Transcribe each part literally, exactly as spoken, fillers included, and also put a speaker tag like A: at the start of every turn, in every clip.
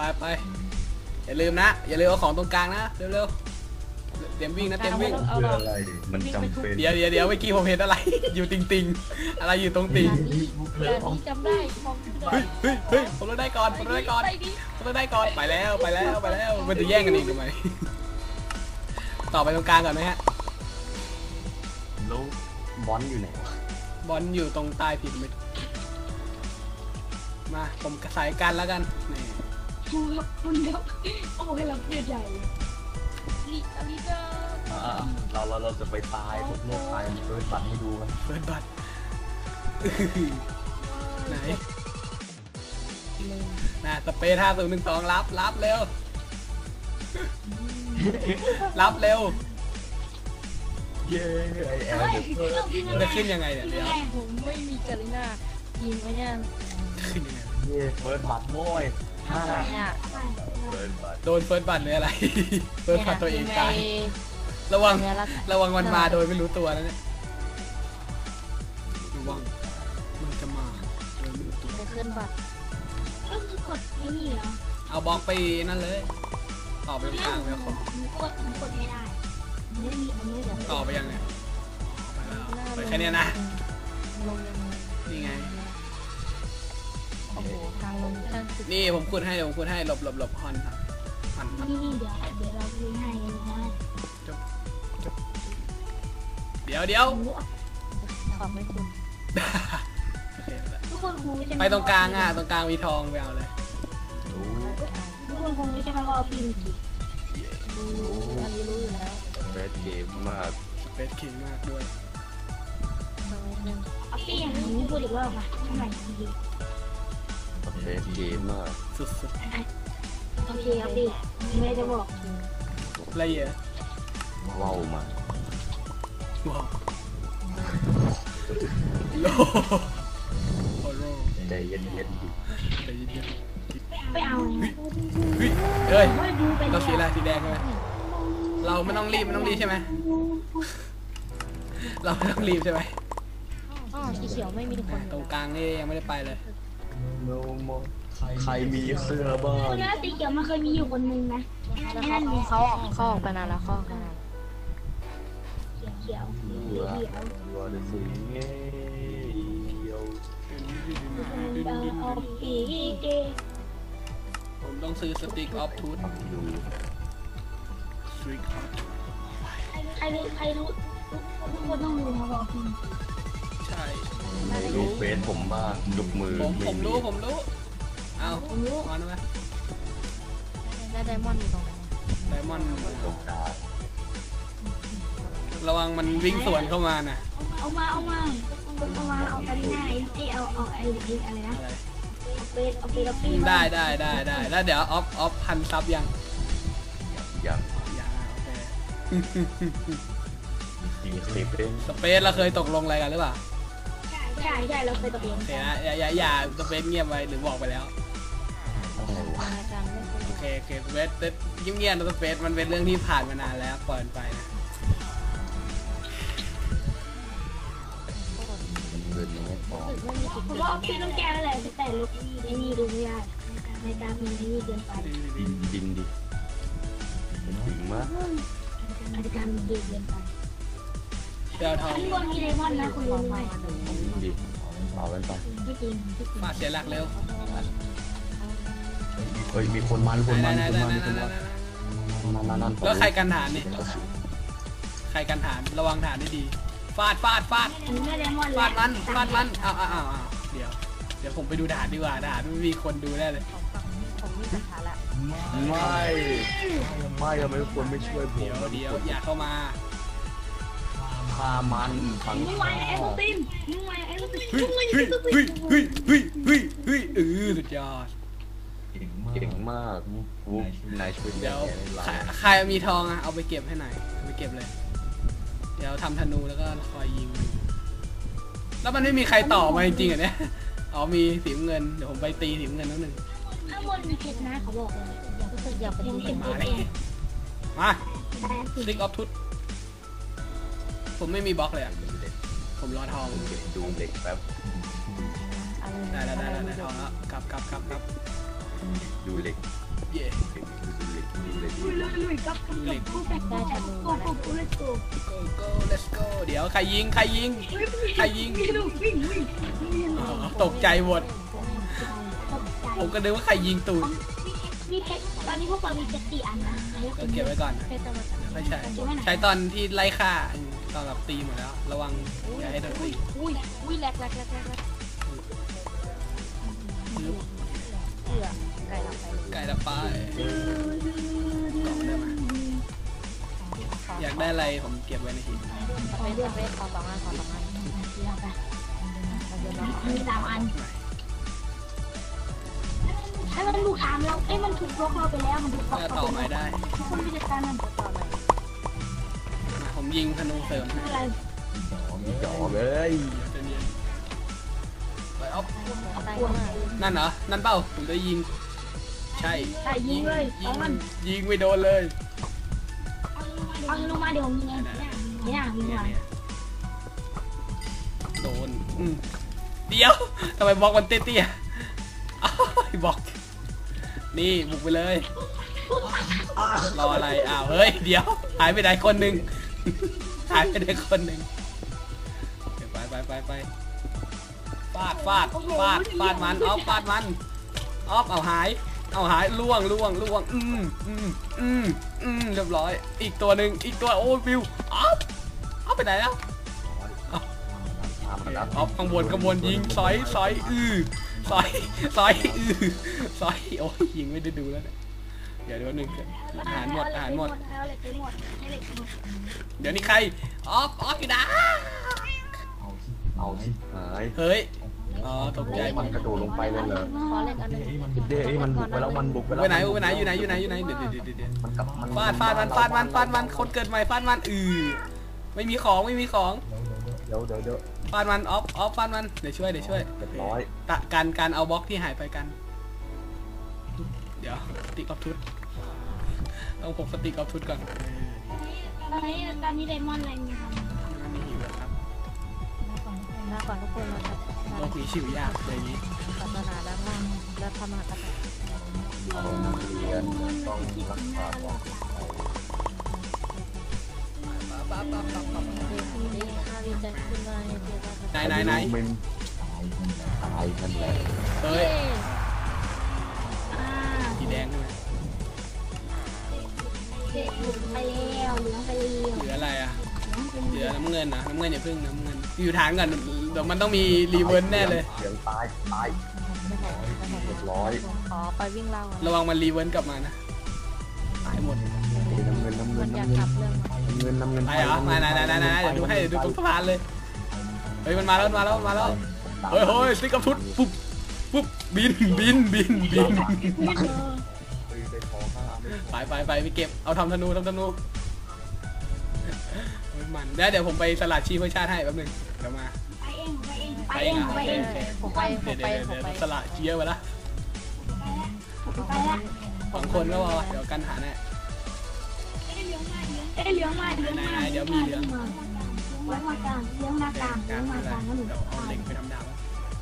A: ไปไปอย่าลืมนะอย่าลืมเอาของตรงกลางนะเร็วๆเตรียมวิ่งนะเตรียมวิ่ง
B: เพื่ออะไรมันจำเป็น
A: เดี๋ยวเดี๋ยวเดี๋ยวเมื่อกี้ผมเห็นอะไร อยู่ติงติงอะไรอยู่ตรงติง
C: แต่นี้จำได้มอง
A: เฮ้ยเฮ้ยเฮ้ยผมต้องได้ก่อนผมต้องได้ก่อนผมต้องได้ก่อนไปแล้วไปแล้วไปแล้วมันจะแย่งกันอีกทำไมต่อไปตรงกลางก่อนไหมฮะ
B: แล้วบอลอยู่ไหนวะ
A: บอลอยู่ตรงใต้ผิดมิดมาผมสายกันแล้วกันนี่
D: ดูครับคุณครับโอ้ยเราเพื่อใหญ่
C: ลีอาลีเดอร์
B: อ่าเราเราเราจะไปตายพวกโลกตายมันเปิดบัตรให้ดูกัน
A: เปิดบัตรไหนน่ะสเปรย์ท่าศูนย์หนึ่งสองรับรับเร็วรับเร็ว
B: เย้ไอแอลเดอร์
A: มันจะขึ้นยังไงเนี่ยเดี๋ยว
C: ผมไม่มีกาลิน่ายิงไว้เนี่ย
A: ขึ้นยังไง
B: เย้เปิดบัตรโว้ยห้า
C: เนี่ย
B: เปิดบัตร
A: โดนเฟิร์สบัตรหรืออะไรเฟิร์สบัตรตัวเองตายระวังระวังมันมาโดยไม่รู้ตัวแล้วเนี่ยระวังมันจะมาโดยไม่รู้ตัว
C: จะขึ้นบัตร
D: ก็คือกดไอ้นี่เหรอ
A: เอาบล็อกไปนั่นเลยต่อไปทางแล้วผม
D: มันกดมันกดไม่ได้มันไม่มีมันไม่ได้
A: ต่อไปยังไงไปแค่นี้นะ
C: ลงยังไง
A: นี่ไง
C: โอ้โหทางลงทางสุด
A: นี่ผมขุดให้เดี๋ยวผมขุดให้หลบหลบหลบฮอนครับฮอนครับ
D: นี่นี่เดี๋ยวเดี๋ยวเราดูให้นะ
A: เดี๋ยวเดี๋ยว
C: ขอบไม่คุณ
A: โอเคแล้ว
D: ทุกคนคงใช่ไหม
A: ไปตรงกลางอ่ะตรงกลางมีทองไปเอาเลย
D: ทุกคนคงใช่ไหมว่าเอาพิมพ์กี่
C: รู้อันนี้รู้อยู่แล้ว
B: เบสเกมมาก
A: เฟสคิงมากด้วย
C: ตรงนี้
D: เอาพี่อย่างนี้พูดอีกรอบค่ะทำไมดี
B: เบสเกมมาก
A: สุด
D: โอเคครับพี่ไม่ได้จะบอก
A: ๆละเอียด
B: ว้าวมา
A: ว้าวโลโอโล
B: ใจเย็นเย็นๆดิ
A: ใจเย็น
D: ไปเอา
A: ๆเฮ้ยเอ้ย
D: ไม่ดูไป
A: เราสีอะไรสีแดงใช่ไหมเราไม่ต้องรีบไม่ต้องรีบใช่ไหมเราไม่ต้องรีบใช่ไหม
C: อ๋อสีเขียวไม่มีทุกคน
A: ตรงกลางนี่ยังไม่ได้ไปเลย
B: โนโมใครมีเสื้อบ้าง
D: คนนั้นสีเขียวมันเคยมีอยู่คนนึงนะ
C: แล้วเขาเขาเขาออกไปนานแล้วเขาออกไปนาน
D: เขียวเขียว
B: เบื่อเบื่อเลยสิเงี้ยว
D: เอาปีเก
A: ผมต้องซื้อสติ๊กออฟทูธ
B: ดู
A: สติ๊กออฟทูธ
D: ใครรู้ใครรู้ทุกคนต้องรู้มาบอกพี่
A: ใช่
B: ดูเฟซผมบ้างยกมือ
A: ผมผ
B: ไม่
A: ม
B: มี
A: รู้ผมรู้เอา
D: ผมรู้
A: ออนไหม
C: แล้วไดมอนด์อยู่ตรงไหน
A: ไดมอนด์
B: ตรงกลาง
A: ระวังมันวิ่งสวนเข้ามาน่ะ
D: เอามาเอามาเอามาเอากันง่ายไอ้เอาเอาไอ้อะไรนะ
A: อะไร
D: เอาไปเอาไปเอาปี
A: ได้ได้ได้ได้แล้วเดี๋ยวออฟออฟพันซับยัง
B: อย่าง
A: ยังอ่ะโอเค
B: มีคลิปเอง
A: สเปซเราเคยตกลงอะไรกันหรือเปล่า
D: ใช่ใช่เราเคยตกลง
A: โอเคนะอย่าอย่าอย่าสเปซเงียบไว้หรือบอกไปแล้ว
B: อะไรวะ
C: รายการไม่เคย
A: โอเคโอเคสเปซเงียบเงียบนะสเปซมันเป็นเรื่องที่ผ่านมานานแล้วปล่อยมันไปนะ
B: เงินยังไม่พอ
C: ไม่มีจุด
D: เพราะว่าพี่ต้องแก้อะไรแต่ลูกไอ้นี่ดูไม่ได้ในตาพี่ไอ้นี่เกินไป
B: ดินดินดิถึงมาก
D: อาจจะการมันเกินไป
A: เดี๋ยวทอง
D: ข้างบนมีไดมอนด์นะคุณรู้ไหม
B: ดิเอาไว้ไป
D: ไม่จริงไม่จริง
A: ฟาดเสียหลักเร็ว
B: เฮ้ยมีคนมันคนมัน
A: ได้
B: คน
A: ได้
B: มัน
A: ได้
B: คน
A: ได้
B: มันนั่นนั่นนั่น
A: แล้วใครกันฐานนี่ใครกันฐานระวังฐานให้ดีฟาดฟาดฟาด
D: อันนี้ไม่ไดมอนด์
A: ฟาดมันฟาดมันอ้าวอ้าวอ้าวเดี๋ยวเดี๋ยวผมไปดูฐานดีกว่าฐานไม่มีคนดูแน่เลย
C: ของฝั่งผมมีปัญหาละ
B: ไม่ไม่ทำไมทุกคนไม่ช่วยผม
A: เดี๋ยวเดี๋ยวอย่าเข้ามา
B: พามันฝัง
D: มึงไวไอ้ลูกติมมึงไวไอ้ลูกติม
A: เฮ้ย
D: มึงไว
A: เฮ้ย
D: ไอ้ลูกติ
A: เฮ้ย
D: ม
A: เฮ้ยเฮ้ยเฮ้ยเฮ้ยเออสุดยอด
B: เก่งมากวุ๊บนายช่วย
A: เดี๋ยว
B: เรา
A: ใครใครมีทองอะเอาไปเก็บให้หน่อยเอาไปเก็บเลย เดี๋ยวทำธนูแล้วก็คอยยิง แล้วมันไม่มีใครต่อมาจริงๆเหรอเนี่ยอ๋อมีสีน้ำเงินเดี๋ยวผมไปตีสีน้ำเงินนิดนึง
D: ข้างบนมีเพชรนะเขาบอกเลย
C: รู้สึกอยากไป
D: ยัง
C: ที่
D: เก็บ
C: เห็น
D: เพชรเอง
A: มา
D: แต่สิ
A: สติ๊กออฟทุตผมไม่มีบล็อกเลยอะผมรอทอง
B: ดูเด็กแป๊บ
C: อะไร
A: ได้แล้วได้แล้วได้ทองแล้วกลับกลับกลับกลับ
B: ดูเหล็ก
A: เย่
D: ลุยลุยลุยกับกับกับกูกับกูกับกูกับกูเลยกู
A: go go let's go เดี๋ยวใครยิงใครยิงใครยิง
D: วิ่งวิ่งวิ่งวิ่ง
A: อ๋อตกใจหมด
D: ตกใจ
A: ผมก็นึกว่าใครยิงตูด
D: มีเพชรตอนนี้พวกเรามีเจ็ดสี่อันนะ
A: ก็เก็บไว้ก่อนนะ
C: เพชรต้องมาจาก
A: ไม่ใช่ใช้ตอนที่ไล่ฆ่าตอนแบบตีหมดแล้ว ระวังอย่าให้โดนตี
C: อุ้ยอุ้ยแหลกแหลกแหลกแหลกแหลก
A: ปึ๊บ
C: เอือไก่หลับไปเลย
A: ไก่ละป้ายกล่องได้ไหมอยากได้อะไรผมเก็บไว้ในหิน
C: สเปซสเปซขอสองอันขอสองอันมาเยอะแล้ว
D: มีสามอันไอ้มันถูกถามเราไอ้มันถูกบล็อกเราไปแล้วมันถูกบล็อก
A: จะ
D: เรา
A: ต่อ
D: ไป
A: ไม้
D: แล้ว
A: ได้
D: คุณไปจัดการมัน
C: ต่อเลย
A: มาผมยิงธนูเสริมให้
D: อะไร
B: จ่อเลย
A: เดี๋ยวจะเนียนไปอ๊อฟ
C: เอาตังค์มา
A: นั่นเหรอ นั่นเปล่าผมจะยิง ใช่
D: ใช่ยิงเลย
A: ยิ
D: เอา
A: ง
D: มัน
A: ยิงไม่โดนเลย
D: เอาลงมาเดี๋ยวผมยิงเองเนี่ยยิง
A: เนี่ย
D: มา
A: เนี่ยโดนอืมเดี๋ยวทำไมบล็อกมันเตี้ยๆอ้าวบล็อก นี่บุกไปเลย รออะไร อ้าว เฮ้ย เดี๋ยว หายไปไหนคนหนึ่ง หายไปไหนคนหนึ่งไปไปไปไปฟาดฟาดฟาดฟาดมันออฟฟาดมันออฟเอาหาย เอาหายล่วงล่วงล่วง อืมอืมอืมอืมเรียบร้อย อีกตัวหนึ่งอีกตัวโอ้วิวออฟออฟไปไหนแล้ว
B: ตามมาแล้ว
A: ออฟข้างบนข้างบนยิงซอยซอยอือซอยซอยอือซอยโอ้ยยิงไม่ได้ดูแล้วเนี่ยเดี๋ยวเดี๋ยวหนึ่งอาหารหมดอาหารหมด
D: เอาเหล็กไปหมดให้เหล็กไปหมด
A: เดี๋ยวนี้ใครออฟออฟอยู่นะ
B: เอาที่หาย
A: เฮ้ยอ๋อตกใจหม
B: มัน
A: ด
B: กระโดดลงไปเลยเหรอ
C: ขอเล็กอันนึง
B: เด้ไอ้มันบุกไปแล้วมันบุกไปแล้ว
A: ไปไหนไปไหนอยู่ไหนอยู่ไหนอยู่ไหนเดี๋ยวเดี๋ยวเดี๋ยวเดี๋ยว
B: มันกลับมัน
A: ฟาดฟาดมันฟาดมันฟาดมันคนเกิดใหม่ฟาดมันอือไม่มีของไม่มีของ
B: เดี๋ยวเดี๋ยวเดี๋ยว
A: ฟาดมันออฟออฟฟาดมันเดี๋ยวช่วยเดี๋ยวช่วย
B: เรียบร้อย
A: ตะการการเอาบล็อกที่หายไปกัน เดี๋ยวสติกออฟทุตต้องพกสติกออฟทุตก่อน
D: ตอนนี้ตอนนี้ไดมอนด์อะไรมีครับ
A: ไม่มีหิวแล้วครับ
C: มาก่อนทุกคนมาครับ
A: โลกนี้ชิวยากเลยางนี้
C: ศาสนาด้านล่างแล้วทำมหากษัตริย์
B: เอานักเรียนต้องรักษาความ
C: เด็กนี่ข้าวิจัยขึ้นมาในเจ้า
A: ไหนไหนไหน
B: มันตายนั่นแหละ
A: เฮ้ย
D: อ่า
A: สีแดงใช่ไหม
D: เหลืองไปแล้วเหลืองไปแล้ว
A: เหลืออะไรอ่ะ
D: เหลืองเป็น
A: เหลือน้ำเงินนะน้ำเงินอย่าพึ่งน้ำเงินอยู่ฐานก่อนเดี๋ยวมันต้องมีรีเวิร์สแน่เลย
B: เสียงตายตาย
C: ไม่ใช่ไม่ใช่
B: เรียบร้อย
C: ขอไปวิ่งเล่า
A: ระวังมันรีเวิร์สกลับมานะหายหมด
B: น้ำเงินน้ำเงิ
C: มัน นอยาก
B: น้ำเงิ
C: กลั
B: น
C: บเรื่อง
B: น้ำเงินน้ำเงิน
A: ไปเหรอมาไหนไหนไหนไหนเดี๋ยวดูให้เดี๋ยวดูตรงสะพานเลยเฮ้ยมันมาแล้วมันมาแล้วมันมาแล้วเฮ้ยเฮ้ยสติ๊กกับทุดปุ๊บปุ๊บบินบินบินบินไปไปไปไปเก็บเอาทำธนูทำธนูเฮ้ยมันเดี๋ยวเดี๋ยวผมไปสลัดชีพเพื่อชาติให้แป๊บนึงเดี๋ยวมา
D: ไปเองไปเองไปเองไปเอง
C: ผมไปผ
A: เดี๋ย
C: ม
A: ว
C: ไป
A: เดี๋ยว
C: ผม
A: เดี๋ยว
C: ไป
A: สลัดเชียร์ไปละ
D: ไปละ
A: สองคนก็พอเดี๋ยวกันหาแน่
D: เอ้ยเหลืองมาเหลืองมาเหลืองมากลางเหลืองมากลางเหลืองมากลางเหลืองมากลางแล้วหนู
A: เดี๋ยวเอาเหล็กไปทำดาบ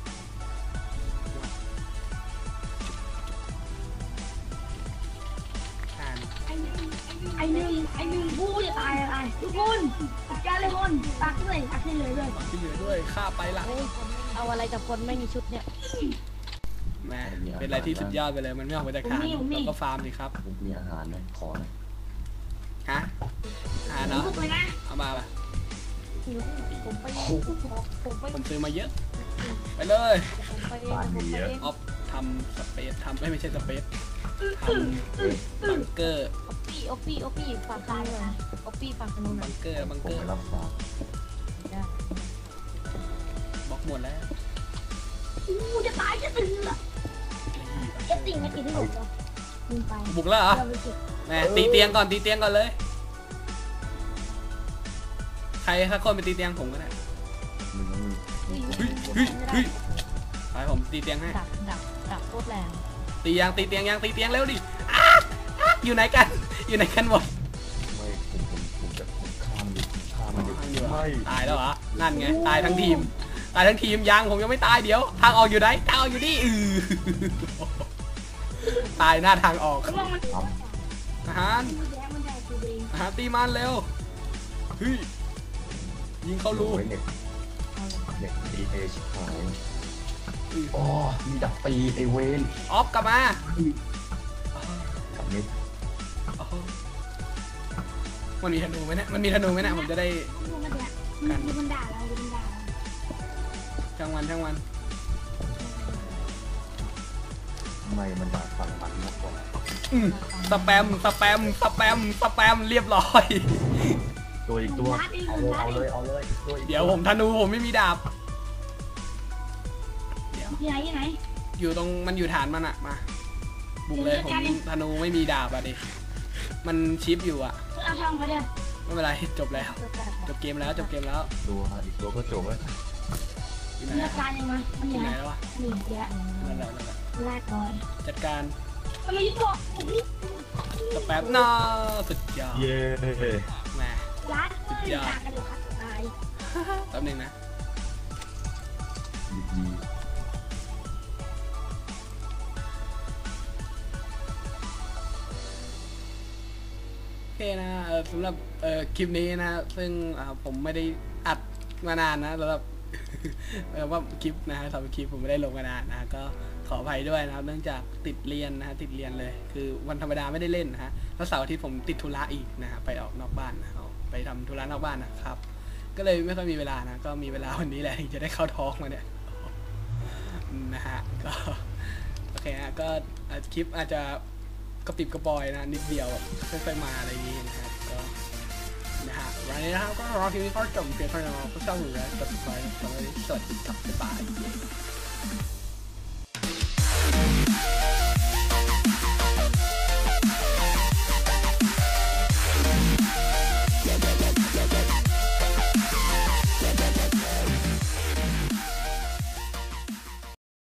A: อ่าน
D: ไอหนึ่งไอหนึ่งผู้จะตายอะไรทุกคนจัดการเลยคนตักเลยตักให้เลยเลย
A: ที่เหลือด้วยฆ่าไปละ
C: เอาอะไรกับคนไม่มีชุดเนี่ย
A: แม่เป็นอะไรที่สุดยอดไปเลยมันไม่ออกมาจากฐานเราก็ฟาร์มสิครับ
B: ผมมีอาหารไหมขอหน่อย
A: ฮะหาเนาะ
D: ทุกเลยนะ
A: เอามาป่ะ
C: ผมไปผมไป
A: ผมซื้อมาเยอะ ไปเลย
C: ผมไปผมไปเอง
A: ออฟทำสเปซทำไม่ไม่ใช่สเปซทำบังเกอร์
C: โอปี้โอปี้โอปี้ฝากคันเลยโอปี้ฝากคันนู้นหน่
A: บั
C: อย
A: งเกอร์บัง
B: ผ
A: เก
B: ม
A: อ
B: ไป
A: ร์
B: รับฝาก
C: ได้
A: บล็อกหมดแล้ว
D: อู้จะตายจะตื่นละจะติ่งไม่ติดที่หนูลืมไป
A: บุกแล้วเหรอ
D: เราไปเก็บ
A: แม่ตีเตียงก่อนตีเตียงก่อนเลย ใครสักคนไปตีเตียงผมก็ได้
B: มึง
A: เฮ้ยเฮ้ยเฮ้ยไปผมตีเตียงให้
C: ดับดับดับโคตรแรง
A: ตียังตีเตียงยังตีเตียงเร็วดิอ้าอ้าอยู่ไหนกัน อยู่ไหนกันหมด
B: ไม่ผมผมผมจะผมฆ่ามันดิฆ่ามันดิไม่
A: ตายแล้วเหรอ นั่นไง ตายทั้งทีม ตายทั้งทีมยังผมยังไม่ตายเดี๋ยว ทางออกอยู่ไหนทางออกอยู่นี่อือตายหน้าทางออก
D: ระวังมัน
B: ท
A: อาหาร
D: แย่มันได้ตัวเอง
A: อาหารตีมันเร็วเฮ้ยยิงเข้า
B: ำ
A: รู
B: ไว้เน็ตเน็ตดีเอชิบหาย
A: อื้อ
B: อ๋อมีดักตีไอเวน
A: ออฟกลับมาอ๋อ
B: กับเน็ต
A: อ๋อมันมีธนูไหมเนี่ยมันมีธนูไหมเนี่ยผมจะได้
D: ดูมันเนี่ยมันดูมันด่าเราดูมันด่าเรา
A: ช่างวันช่างวัน
B: ทำไมมันดักฝั่งมันมากกว่า
A: อืมสแปมสแปมสแปมสแปมเรียบร้อย
B: ตัวอีกตัวเอาเลยเอาเลยเอาเลยตัวอีก
A: เดี๋ยวผมธนูผมไม่มีดาบเดี๋ยว
D: ที่ไหนที่ไหน
A: อยู่ตรงมันอยู่ฐานมันอะมาบุกเลยผมธนูไม่มีดาบอะดิมันชิปอยู่อะ
D: เอาทองมาเด้อ
A: ไม่เป็นไรจบแล้วจบเกมแล้วจบเกมแล้ว
B: ตัวอีกตัวก็จบแล้ว
A: อยู่ไหน
D: เลือกการยังไงมัน
A: อ
D: เห
A: ยู่
D: นื่
A: ไหน
D: อย
A: แล้ววะ
D: หนีเยอะ
A: นั่นแหละนั่นแหละ
D: ลาก่อน
A: จัดการ
D: ทำไมยิ่งบอก
A: สแปมน่าสุดยอด
B: เย้
A: แหม
D: ร้านก็เลยด่ากันเดี๋ยวครับตาย
A: แป๊บนึงนะ
B: ดีดี
A: โอเคนะเออสำหรับเอ่อคลิปนี้นะซึ่งอ่าผมไม่ได้อัดมานานนะสำหรับ เออว่าคลิปนะฮะสำหรับคลิปผมไม่ได้ลงมานานนะก็ขออภัยด้วยนะครับเนื่องจากติดเรียนนะฮะติดเรียนเลย คือวันธรรมดาไม่ได้เล่นนะฮะแล้วเสาร์อาทิตย์ผมติดธุระอีกนะฮะไปออกนอกบ้านนะเอาไปทำธุระนอกบ้านนะครับ ก็เลยไม่ค่อยมีเวลานะก็มีเวลาวันนี้แหละถึงจะได้เข้าท้องมาเนี่ยนะฮะก็โอเคฮะก็อาจคลิปอาจจะกระปิบกระปอยนะนิดเดียวแบบค่อยๆมาอะไรอย่างงี้นะครับก็นะฮะวันนี้นะครับก็รอคลิปนี้ก็จบเพียงเท่านี้นะครับก็ชอบหรือว่า subscribe สวัสดีครับบ๊ายบาย